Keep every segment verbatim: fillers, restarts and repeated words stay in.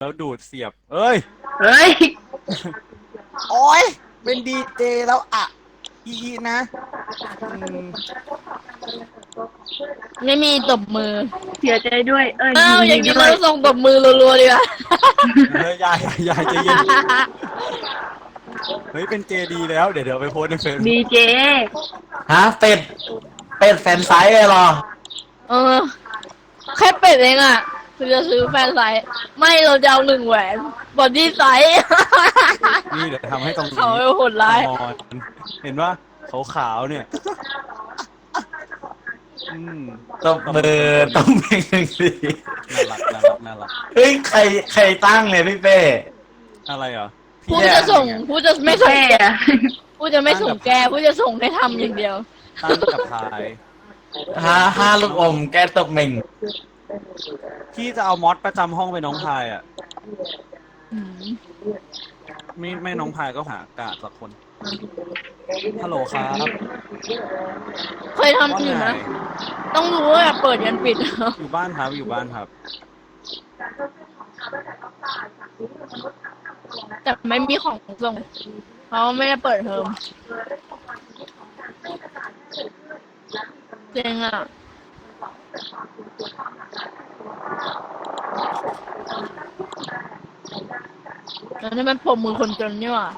แล้วดูดเสียบเอ้ยเฮ้ยโอ้ยเป็นดีเจแล้วอ่ะอีนะอืมไม่มีตบมือเสียใจด้วยเอ้ยอ้าวอย่างนี้ด้วเรายส่งตบมือรัวๆดีกว่าเฮ้ยยายยายใจเย็นเฮ้ยเป็นเจดีแล้วเดี๋ยวเดี๋ยวไปโพสในเฟซดีเจฮะเป็ดเป็ดแฟนไซส์เลยเหรอเออแค่เป็ดเองอ่ะคือจะซื้อแฟนไซส์ไม่เราจะเอาหนึ่งแหวนบอดี้ไซส์นี่เดี๋ยวทำให้ตรงนี้เขาโหดร้ายเห็นว่าขาวๆเนี่ยอืมตบมือตบมือหนึ่งสิน่ารักน่ารักน่ารักเฮ้ยใครใครตั้งเนี่ยพี่เป้อะไรเหรอผู้จะส่งผู้จะไม่ส่งแกอะผู้จะไม่ส่งแกผู้จะส่งให้ทำอย่างเดียวตั้งกับพายห้าห้าลูกอมแกตบเม่งที่จะเอามอสประจำห้องไปน้องพายอ่ะไม่ไม่น้องพายก็หากาดสักคนฮัลโหลครับเคยทำอยู่นะต้องรู้ว่าเปิดยันปิดอยู่บ้านครับอยู่บ้านครับแต่ไม่มีของส่งเพราะไม่ได้เปิดเทอมเจ๋งอ่ะแล้วนี่มันผมมือคนจนนี่หว่า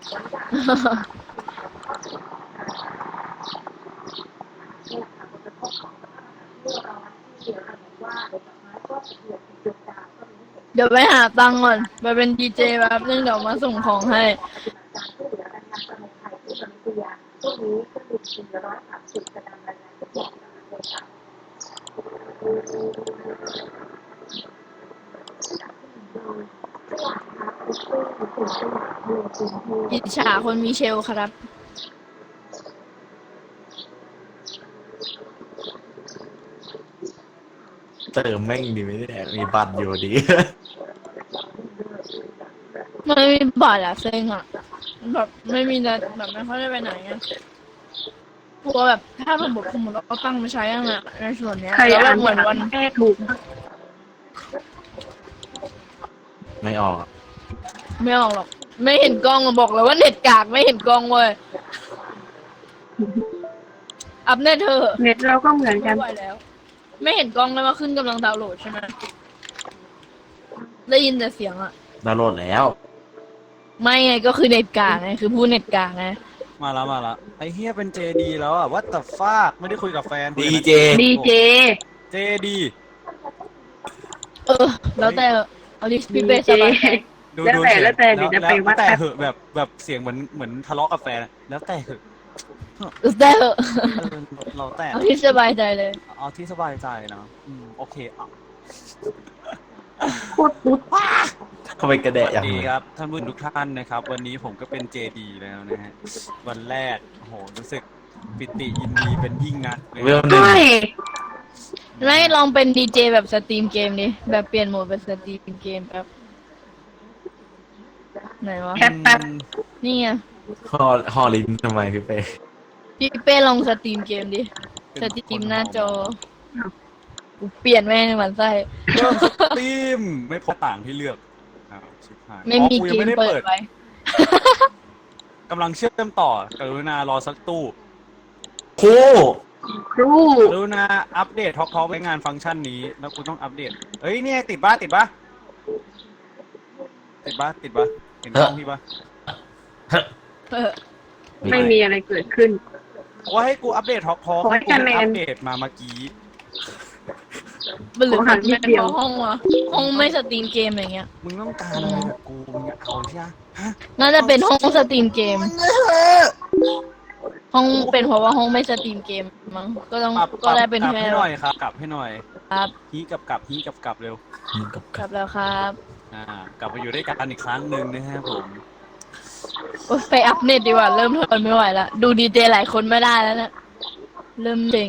เดี๋ยวไปหาตังค์ก่อนไปเป็นดีเจแบบนึงเดี๋ยวมาส่งของให้อิจฉาคนมีเชลครับเติมแม่งดีไม่ได้มีบัตรอยู่ดีไม่มีบัตรอะเซ็งอะแบบไม่มีนะแบบไม่ค่อยได้ไปไหนไงกลัวแบบถ้าสมมติสมมติเราตั้งมาใช้ยังไงในส่วนเนี้ยใครแล้วแบอ่านบเหมือนวันแก้ถูกไม่ออกไม่ออกหรอกไม่เห็นกล้องบอกเลยว่าเน็ตกากไม่เห็นกล้องเว้ยอัพเน็ตเธอเน็ตเราก็เหมือนกันไม่ไหวแล้วไม่เห็นกล้องเลยว่าขึ้นกำลังดาวน์โหลดใช่ไหมได้ยินแต่เสียงอะดาวน์โหลดแล้วไม่ไงก็คือเน็ตกากไงคือผู้เน็ตกากไงมาแล้วมาแล้วไอ้เฮียเป็นเจดีแล้วอ่ะ what the fuck ไม่ได้คุยกับแฟนดีเจดีเจเจดีเออแล้วแต่เอาดิพี่เป้สบายแล้วแต่แล้วแต่เดี๋ยวจะไปวัดแต่เหอะแบบแบบเสียงเหมือนเหมือนทะเลาะกับแฟนแล้วแต่เหอะแต่เหอะเราแต่เอาที่สบายใจเลยเอาที่สบายใจนะอืมโอเคอ่ะพูดปุ๊บเข้าไปกระแดะอย่างนี้นี้ครับท่านผู้ชมทุกท่านนะครับวันนี้ผมก็เป็นเจดีแล้วนะฮะวันแรกโอ้โหรู้สึกปิติยินดีเป็นยิ่งนักเลยใช่ไม่ลองเป็นดีเจแบบสตรีมเกมดิแบบเปลี่ยนโหมดเป็นสตรีมเกมแบบไหนวะแป๊บแป๊บนี่ไงฮอฮอลินทำไมพี่เป้พี่เป้ลองสตรีมเกมดิสตรีมหน้าจอเปลี่ยนแม่งหมันไส้เริ่มสตรีมไม่พอต่างที่เลือกไม่มีเกมเปิดไว้กำลังเชื่อมต่อกรุณารอสักตู้ครูครูกรุณาอัปเดตท็อกท็อกในงานฟังก์ชันนี้แล้วกูต้องอัปเดตเฮ้ยเนี่ยติดบ้าติดบ้าติดบ้าติดบ้าเห็นกล้องพี่บ้าไม่มีอะไรเกิดขึ้นว่าให้กูอัปเดตท็อกท็อกให้กูอัปเดตมาเมื่อกี้มันเหลือหันนิดเดียวห้องวะห้องไม่สตรีมเกมอะไรเงี้ยมึงต้องการอะไรกับกูมึงเอาใช่ไหมน่าจะเป็นห้องสตรีมเกมห้องเป็นเพราะว่าห้องไม่สตรีมเกมมั้งก็ต้องก็ได้เป็นแค่หน่อยครับกลับให้หน่อยครับฮีกับกลับฮีกับกลับเร็วกลับแล้วครับอ่ากลับมาอยู่ด้วยกันอีกครั้งหนึ่งนะฮะผมไปอัพเน็ตดีกว่าเริ่มทนไม่ไหวแล้วดูดีเจหลายคนไม่ได้แล้วเนี่ยเริ่มเจ๋ง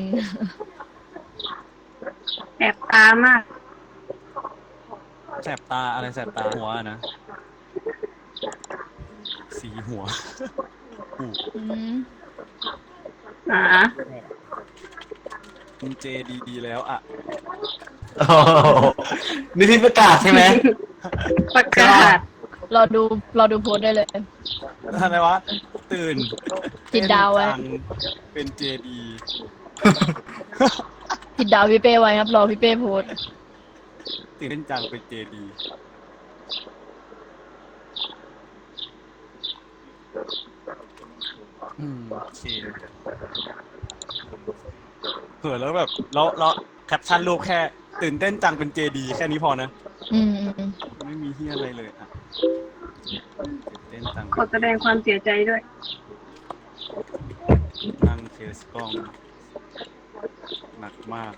แสบตามากแสบตาอะไรแสบตาหัวนะสีหัวอืมอ่าเจดีดีแล้วอ่ะนี่ที่ประกาศใช่ไหมประกาศรอดูรอดูโพสต์ได้เลยอะไรวะ ตื่นติดดาวไว้เต้นจังเป็นเจดีติดดาวพี่เป้ไว้ครับ รอพี่เป้โพสต์ตื่นเต้นจังเป็นเจดี อืมโอเคเผื่อแล้วแบบแล้วแล้วแคปชั่นรูปแค่ตื่นเต้นจังเป็นเจดีแค่นี้พอนะอืมอืมอืมไม่มีเฮียอะไรเลยอ่ะตื่นเต้นจังขอแสดงความเสียใจด้วยนั่งเคสกล้อง หนักมาก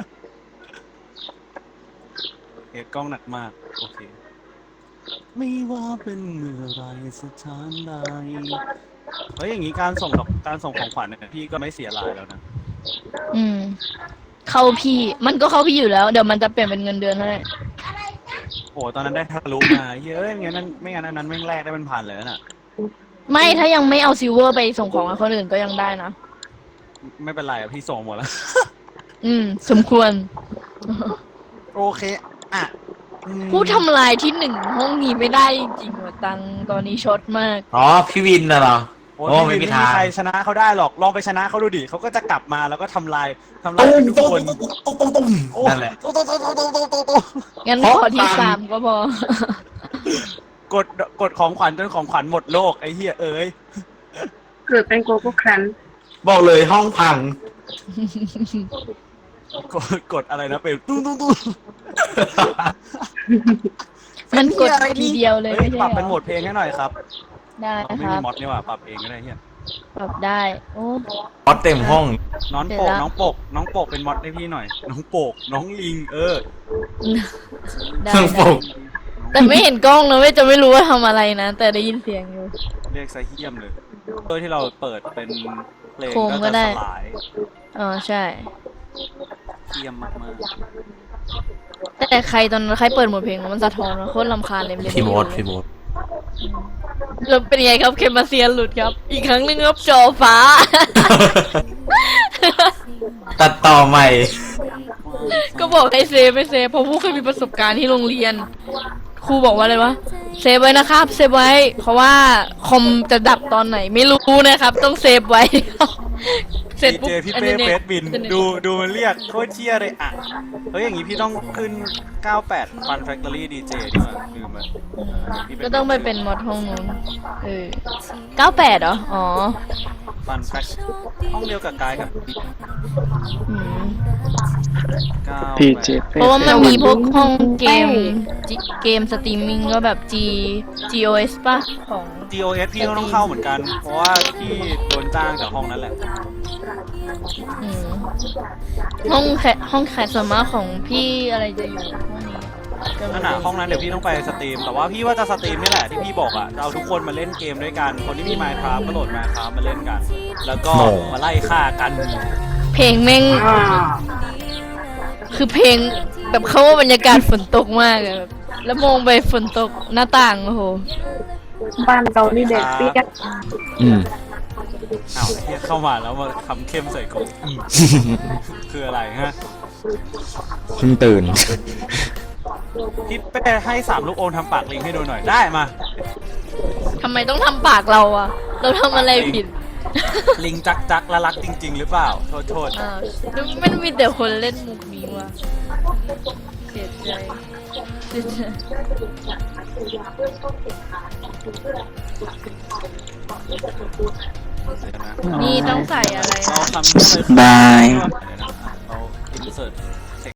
เคสกล้องหนักมาก โอเค ไม่ว่าเป็นเมื่อไรสถานใดเฮ้ยอย่างนี้การส่งดอกการส่งของขวัญเนี่ยพี่ก็ไม่เสียรายแล้วนะอืม เข้าพี่ มันก็เข้าพี่อยู่แล้ว เดี๋ยวมันจะเปลี่ยนเป็นเงินเดือนให้โอ้ตอนนั้นได้ทะลุมาเฮ้ยไม่งั้นนั้นไม่งั้นอันนั้นแม่งแรกได้เป็นพันเลยน่ะไม่ถ้ายังไม่เอาซิลเวอร์ไปส่งของให้คนอื่นก็ยังได้นะไม่เป็นไรอะพี่ส่งหมดแล้วอืม สมควรโอเคอ่ะอืมผู้ทำลายที่หนึ่งห้องนี้ไม่ได้จริงๆว่ะตังตอนนี้ช็อตมากอ๋อ พี่วินน่ะเหรอโอ้โอ้ไม่ไม่มีมีทางใครชนะเขาได้หรอกลองไปชนะเขาดูดิเขาก็จะกลับมาแล้วก็ทำลายทำลายตุ้มทุกตุ้มคนตุ้มตุ้มตุ้มตุ้มโอ้นั่นแหละตุ้มตุ้มตุ้มตุ้มตุ้มตุ้มตุ้มงั้นเพราะขอที่ตังสามก็พอกดกดของขวัญจนของขวัญหมดโลกไอ้เหี้ยเอ้ยเกิดเป็นโกโก้ครันบอกเลยห้องพังกดกดอะไรนะเป็นตุ้มตุ้มตุ้มมันกดทีเดียวเลยเฮ้ยไม่ใช่ปรับเหรเป็นโหมอดเพลงให้หน่อยครับได้เอาไม่คมีรับมอดนี่หว่าปรับเองก็ได้เฮียปรับได้ โอ้มอดเต็มห้องน้องโปกเสร็จแล้วน้องโปกน้องโปกเป็นมอดให้พี่หน่อย น้องโปกน้องลิงเออได้เครื่องปได้ลุกแต่ไม่เห็นกล้องนะไม่จะไม่รู้ว่าทำอะไรนะ แต่ได้ยินเสียงอยู่เรียกซะเฮียมเลยเพื่อที่เราเปิดเป็นเพลงโคมก็ก็ได้จะสลายอ๋อใช่เฮียมมากแต่ใครตอนนั้นใครเปิดหมดเพลงมันสะท้อนนะโคตรลำคาญเลยไม่ได้พี่โมดพี่โมดแล้วเป็นไงครับเคมาเซียนหลุดครับ อีกครั้งหนึงครับจอฟ้าตัดต่อใหม่ก็บอกให้เซฟไม่เซฟเพราะผู้เคยมีประสบการณ์ที่โรงเรียน ครูบอกว่าอะไรวะเซฟไว้นะครับเซฟไว้ เพราะว่าคอมจะดับตอนไหนไม่รู้นะครับ ต้องเซฟไว้ๆเสร็จดีปุ๊บเจพี่อันเป้นี้เฟสบินอันี้ดูดูมันเรียกโคตรเชียเลยอ่ะเฮ้ยอย่างงี้พี่ต้องขึ้นเก้าแปด Fun Factory ดี เจ ดีกว่าลืมมันพี่ก็ต้องไปเป็นมอดห้องนู้นเออเก้าแปดเหรออ๋อ Fun Fact ห้องเดียวกับกายกับอืมเก้าพีเจแปดเพราะว่ามันมีพวกห้องเกมจิเกมสตรีมมิ่งก็แบบ G จี โอ เอส ป่ะของจี โอ เอส พี่ก็ต้องเข้าเหมือนกัน เพราะว่าพี่โดนจ้างจากห้องนั้นแหละอืมห้องแคห้องแคสส่วนมากของพี่อะไรจะอยู่ห้องนี้ก็ไม่นั่นน่ะห้องนั้นเดี๋ยวพี่ต้องไปสตรีม แต่ว่าพี่ว่าจะสตรีมนี่แหละที่พี่บอกอ่ะจะเอาทุกคนมาเล่นเกมด้วยกัน คนที่มี Minecraft ก็โหลด Minecraft มาเล่นกัน แล้วก็โน่มาไล่ฆ่ากันเพลงแม่งอ่าคือเพลงแบบเข้าว่าบรรยากาศฝนตกมากอะแบบแล้วมองไปฝนตกหน้าต่างโอ้โหบ้านเรานี่เด็กเปียกอืมอ้าวเฮียเข้ามาแล้วมาทำเข้มใส่กูอืมคืออะไรฮะเพิ่งตื่นพี่เป้ให้สามลูกโอนทำปากลิงให้ดูหน่อย ได้มาทำไมต้องทำปากเราอะเราทำอะไรผิดลิงจักจักและรักจริง ๆ หรือเปล่า โทษโทษอ่าวมันมีแต่คนเล่นมุกนี้ว่ะเสียใจเสียใจนี่ต้องใส่อะไรเรานะทำบายเราอินเสิร์ตภ